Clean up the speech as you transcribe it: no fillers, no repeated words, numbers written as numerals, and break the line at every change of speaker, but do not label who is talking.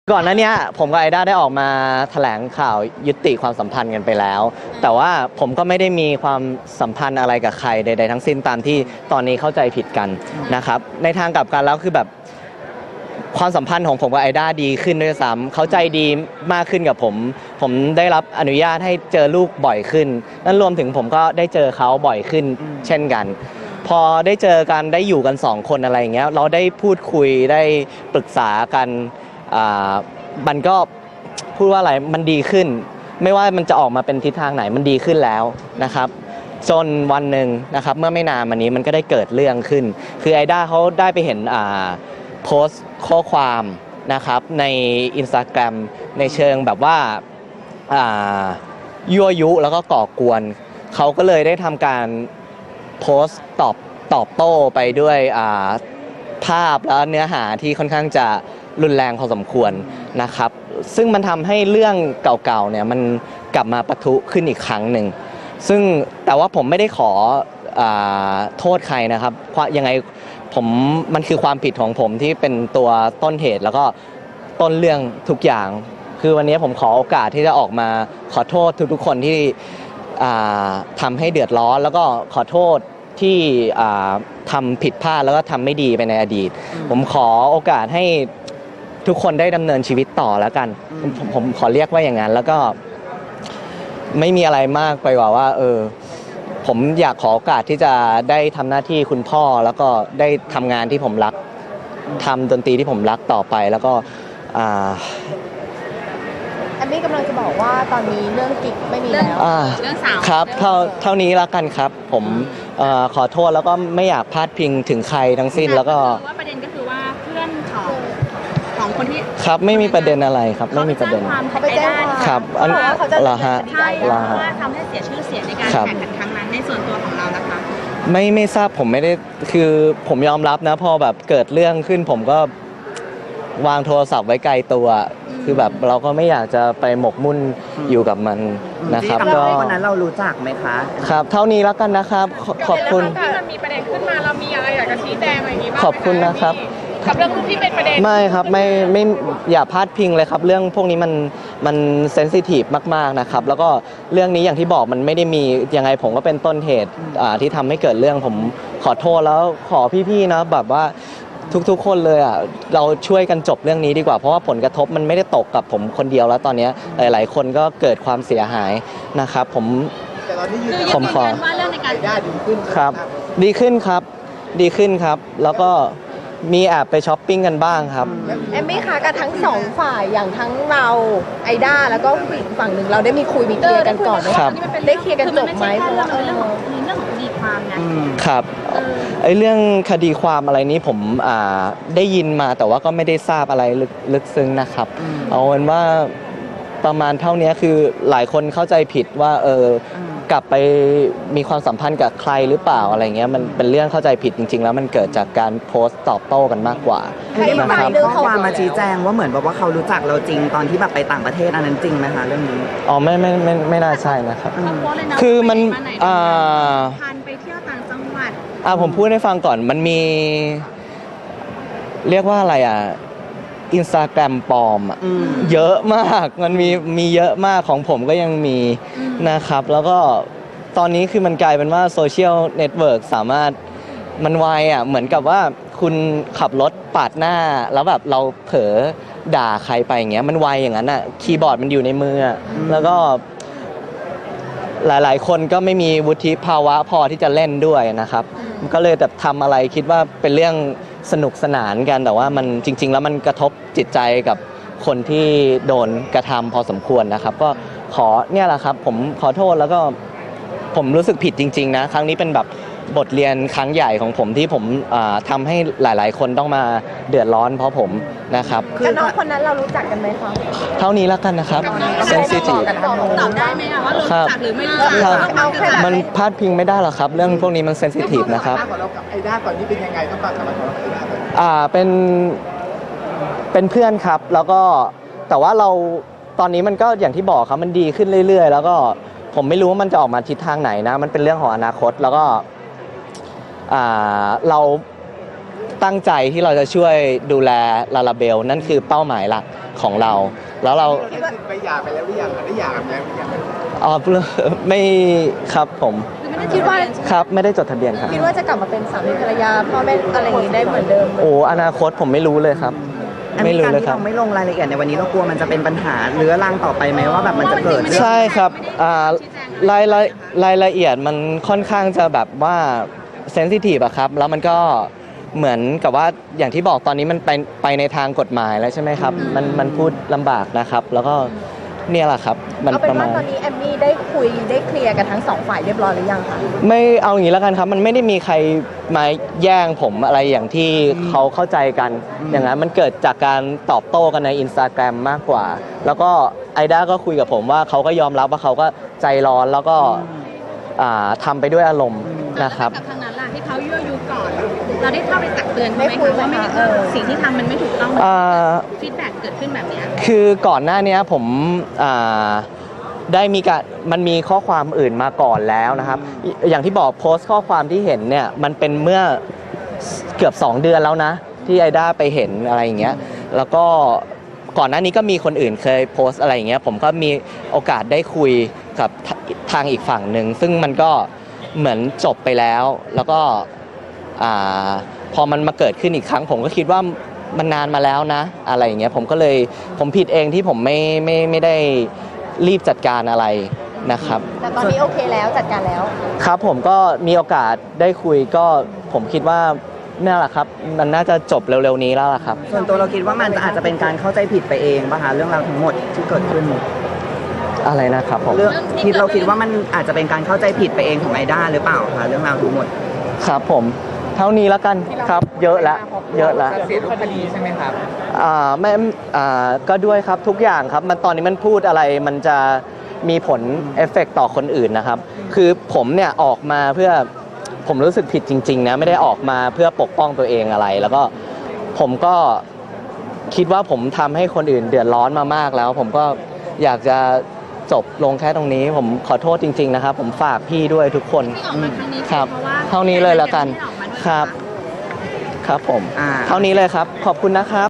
ก่อนหน้านี้ผมกับไอด้าได้ออกมาแถลงข่าวยุติความสัมพันธ์กันไปแล้วแต่ว่าผมก็ไม่ได้มีความสัมพันธ์อะไรกับใครใดๆทั้งสิ้นตามที่ตอนนี้เข้าใจผิดกันนะครับในทางกลับกันแล้วคือแบบความสัมพันธ์ของผมกับไอด้าดีขึ้นด้วยซ้ำเขาใจดีมากขึ้นกับผมได้รับอนุญาตให้เจอลูกบ่อยขึ้นนั่นรวมถึงผมก็ได้เจอเขาบ่อยขึ้นเช่นกันพอได้เจอกันได้อยู่กัน2 คนอะไรอย่างเงี้ยเราได้พูดคุยได้ปรึกษากันมันก็พูดว่าอะไรมันดีขึ้นไม่ว่ามันจะออกมาเป็นทิศทางไหนมันดีขึ้นแล้วนะครับจนวันหนึ่งนะครับเมื่อไม่นานมานี้มันก็ได้เกิดเรื่องขึ้นคือไอด้าเขาได้ไปเห็นโพสต์ข้อความนะครับใน Instagram ในเชิงแบบว่ายั่วยุแล้วก็ก่อกวนเขาก็เลยได้ทำการโพสต์ตอบโต้ไปด้วยภาพและเนื้อหาที่ค่อนข้างจะรุนแรงพอสมควรนะครับซึ่งมันทำให้เรื่องเก่าๆเนี่ยมันกลับมาปะทุขึ้นอีกครั้งหนึ่งซึ่งแต่ว่าผมไม่ได้ขอโทษใครนะครับยังไงมันคือความผิดของผมที่เป็นตัวต้นเหตุแล้วก็ต้นเรื่องทุกอย่างคือวันนี้ผมขอโอกาสที่จะออกมาขอโทษทุกๆคนที่ทำให้เดือดร้อนแล้วก็ขอโทษที่ทำผิดพลาดแล้วก็ทำไม่ดีไปในอดีตผมขอโอกาสให้ทุกคนได้ดำเนินชีวิตต่อแล้วกันผมขอเรียกว่าอย่างนั้นแล้วก็ไม่มีอะไรมากไปกว่าว่าผมอยากขอโอกาสที่จะได้ทำหน้าที่คุณพ่อแล้วก็ได้ทำงานที่ผมรักทำดนตรีที่ผมรักต่อไปแล้วก็
แอมมี่กำลังจะบอกว่าตอนนี้เรื่องกิ๊กไม่มีแล้ว
เรื่องสาว
ครับเท่านี้แล้วกันครับผมขอโทษแล้วก็ไม่อยากพาดพิงถึงใครทั้งสิ้นแล้วก็
ว่าประเด็นก็คือว่าเพื่อนของคนที่
ครับไม่มีประเด็นอะไรครับไม่มีประเด็น
เขาไปแจ้งความ
ครับ
เขาจะ
เหรอฮะ
ใช่ว่าทำให้เสียชื่อเสียงในการแข่งขันครั้งนั้นในส่วนตัวของเรานะคะ
ไม่ทราบผมไม่ได้คือผมยอมรับนะพอแบบเกิดเรื่องขึ้นผมก็วางโทรศัพท์ไว้ไกลตัวคือแบบเราก็ไม่อยากจะไปหมกมุ่นอยู่กับมันนะครับ
ก็วันนั้นเรารู้จักไหมคะ
ครับเท่านี้แล้วกันนะครับขอบคุณ
ถ้ามันมีประเด็นขึ้นมาเรามีอะไรอยากจะชี้แจงอะไรอย่างนี้บ้าง
ขอบคุณนะครับ
กับเรื่องที่เป็นประเด็น
ไม่ครับไม่อย่าพลาดพิงเลยครับเรื่องพวกนี้มันเซนซิทีฟมากๆนะครับแล้วก็เรื่องนี้อย่างที่บอกมันไม่ได้มียังไงผมก็เป็นต้นเหตุที่ทำให้เกิดเรื่องผมขอโทษแล้วขอพี่ๆนะแบบว่าทุกๆคนเลยเราช่วยกันจบเรื่องนี้ดีกว่าเพราะว่าผลกระทบมันไม่ได้ตกกับผมคนเดียวแล้วตอนนี้หลายๆคนก็เกิดความเสียหายนะครับผม
ขอว่าเรื่องในการ
ดีขึ้นครับดีขึ้นครับดีขึ้นครับแล้วก็มีแอบไปช้อปปิ้งกันบ้างครับ
แอมมี่คะกับทั้ง2 ฝ่ายอย่างทั้งเราไอด้าแล้วก็ผู้หญิงฝั่งหนึ่งเราได้มีคุยมีเคลียร์กันก่อนไหมครับได้เคลียร์กันจบไหมเพราะว่า
เรื่องของคดีความไง
ครับเรื่องคดีความอะไรนี้ผมได้ยินมาแต่ว่าก็ไม่ได้ทราบอะไรลึกซึ้งนะครับเอาเป็นว่าประมาณเท่านี้คือหลายคนเข้าใจผิดว่ากลับไปมีความสัมพันธ์กับใครหรือเปล่าอะไรเงี้ยมันเป็นเรื่องเข้าใจผิดจริงๆแล้วมันเกิดจากการโพสต์ตอบโต้กันมากกว่า
นะครับข้อความมาชี้แจงว่าเหมือนแบบว่าเขารู้จักเราจริงตอนที่แบบไปต่างประเทศอันนั้นจริงไหมคะเรื่องนี้
อ๋อไม่น่าใช่นะครับ
คื
อมัน
พันไปเที่ยวต่างจังหวัด
ผมพูดให้ฟังก่อนมันมีเรียกว่าอะไรInstagram ปลอมเยอะมากมันมีเยอะมากของผมก็ยังมีนะครับแล้วก็ตอนนี้คือมันกลายเป็นว่าโซเชียลเน็ตเวิร์กสามารถมันไวเหมือนกับว่าคุณขับรถปาดหน้าแล้วแบบเราเผลอด่าใครไปอย่างเงี้ยมันไวอย่างนั้นคีย์บอร์ดมันอยู่ในมือแล้วก็หลายๆคนก็ไม่มีวุฒิภาวะพอที่จะเล่นด้วยนะครับก็เลยแบบทำอะไรคิดว่าเป็นเรื่องสนุกสนานกันแต่ว่ามันจริงๆแล้วมันกระทบจิตใจกับคนที่โดนกระทำพอสมควรนะครับก็เนี่ยแหละครับผมขอโทษแล้วก็ผมรู้สึกผิดจริงๆนะครั้งนี้เป็นแบบบทเรียนครั้งใหญ่ของผมที่ผมทำให้หลายๆคนต้องมาเดือดร้อนเพราะผมนะครับ
กับน้องคนนั้นเรารู้จักกันไหมคะ
เท่านี้แล้วกันนะครับเซนซิทีฟ
ตอบได้ไหมว่ารู้จักหรือไม่รู้จัก
มันพลาดพิงไม่ได้หรอกครับเรื่องพวกนี้มันเซนซิทีฟนะครับ
เรากับไอด้าก่อนนี้เป็นยังไงต้องการทำอะไรกับไอด้า
เป็นเพื่อนครับแล้วก็แต่ว่าเราตอนนี้มันก็อย่างที่บอกครับมันดีขึ้นเรื่อยๆแล้วก็ผมไม่รู้ว่ามันจะออกมาทิศทางไหนนะมันเป็นเรื่องของอนาคตแล้วก็เราตั้งใจที่เราจะช่วยดูแลลาลาเบลนั่นคือเป้าหมายหลักของเรา แล้วเรา
ไปหย่าไปแล้วหรือยังได้หย่ากันแล้วหรือยัง
อ๋อ ไม่ครับผม
คิดว่า
ครับไม่ได้จดทะเบียนครับ
คิดว่าจะกลับมาเป็นสามีภรรยาพ่อแม่อะไรอย่างนี้ได้เหมือนเดิมไหม
โอ้อนาคตผมไม่รู้เลยครับ
อัน
ไม่
นี้
รู้
การ
เลย
ที่
ครับ
เราไม่ลงรายละเอียดในวันนี้เรากลัวมันจะเป็นปัญหาเรื้อรังต่อไปไหมว่าแบบมันจะเกิดเรื่อง
ใช่ครับรายละเอียดมันค่อนข้างจะแบบว่าเซนซิทีฟอะครับ แล้วมันก็เหมือนกับว่าอย่างที่บอกตอนนี้มันไปในทางกฎหมายแล้วใช่ไหมครับ มันพูดลำบากนะครับ แล้วก็เนี่ยแหละครับ มัน
เอาเป็
ประ
น
มา
ว่า
ณ
ตอนนี้แอมมี่ได้คุยได้เคลียร์กันทั้งสองฝ่ายเรียบร้อยหรือยังคะ
ไม่เอาอย่างนี้แล้วกันครับ มันไม่ได้มีใครมาแย่งผมอะไรอย่างที่เขาเข้าใจกัน อย่างนั้นมันเกิดจากการตอบโต้กันใน Instagram มากกว่า แล้วก็ไอด้าก็คุยกับผมว่าเขาก็ยอมรับว่าเขาก็ใจร้อนแล้วก็ทำไปด้วยอารมณ์นะครับ
กับทางนั้นล่ะที่เขายั่วยุก่อน เราได้เข้าไปตักเตือนเขาไหมคะว่าไม่สิ่งที่ทำมันไม่ถูกต้องฟีดแบ็กเกิดขึ้นแบบเนี้ย
คือก่อนหน้านี้ผมได้มันมีข้อความอื่นมาก่อนแล้วนะครับ อย่างที่บอกโพสต์ข้อความที่เห็นเนี่ยมันเป็นเมื่อเกือบ 2 เดือนแล้วนะที่ไอด้าไปเห็นอะไรอย่างเงี้ยแล้วก็ก่อนหน้านี้ก็มีคนอื่นเคยโพสต์อะไรอย่างเงี้ยผมก็มีโอกาสได้คุยกับทางอีกฝั่งหนึ่งซึ่งมันก็เหมือนจบไปแล้วแล้วก็พอมันมาเกิดขึ้นอีกครั้งผมก็คิดว่ามันนานมาแล้วนะอะไรอย่างเงี้ยผมผิดเองที่ผมไม่ได้รีบจัดการอะไรนะครับ
แต่ตอนนี้โอเคแล้วจัดการแล้ว
ครับผมก็มีโอกาสได้คุยก็ผมคิดว่านี่แหละครับมันน่าจะจบเร็วๆนี้แล้วล่ะครับ
ส่วนตัวเราคิดว่ามันอาจจะเป็นการเข้าใจผิดไปเองป่ะคะเรื่องราวทั้งหมดที่เกิดขึ้น
อะไรนะครับผม
เรื่องที่เราคิดว่ามันอาจจะเป็นการเข้าใจผิดไปเองของไอด้าหรือเปล่าคะเรื่องราวทั้งหมด
ครับผมเท่านี้แล้วกันครับเยอะละเยอะละ
เสียรูปคดีใช่ไหมครับ
ไม่ก็ด้วยครับทุกอย่างครับมันตอนนี้มันพูดอะไรมันจะมีผลเอฟเฟกต์ต่อคนอื่นนะครับคือผมเนี่ยออกมาเพื่อผมรู้สึกผิดจริงๆนะไม่ได้ออกมาเพื่อปกป้องตัวเองอะไร แล้วก็ผมก็คิดว่าผมทำให้คนอื่นเดือดร้อนมามากแล้ว ผมก็อยากจะจบลงแค่ตรงนี้ผมขอโทษจริงๆนะครับผมฝากพี่ด้วยทุกคน
ที่ออกมาครั้งนี้
ครับ
เพราะว่า
เท่านี้เลยแล้วกัน
ที่ออกมาด้วย
ครับ
นะะ
ครับผม
อ่า
เท่านี้เลยครับขอบคุณนะครับ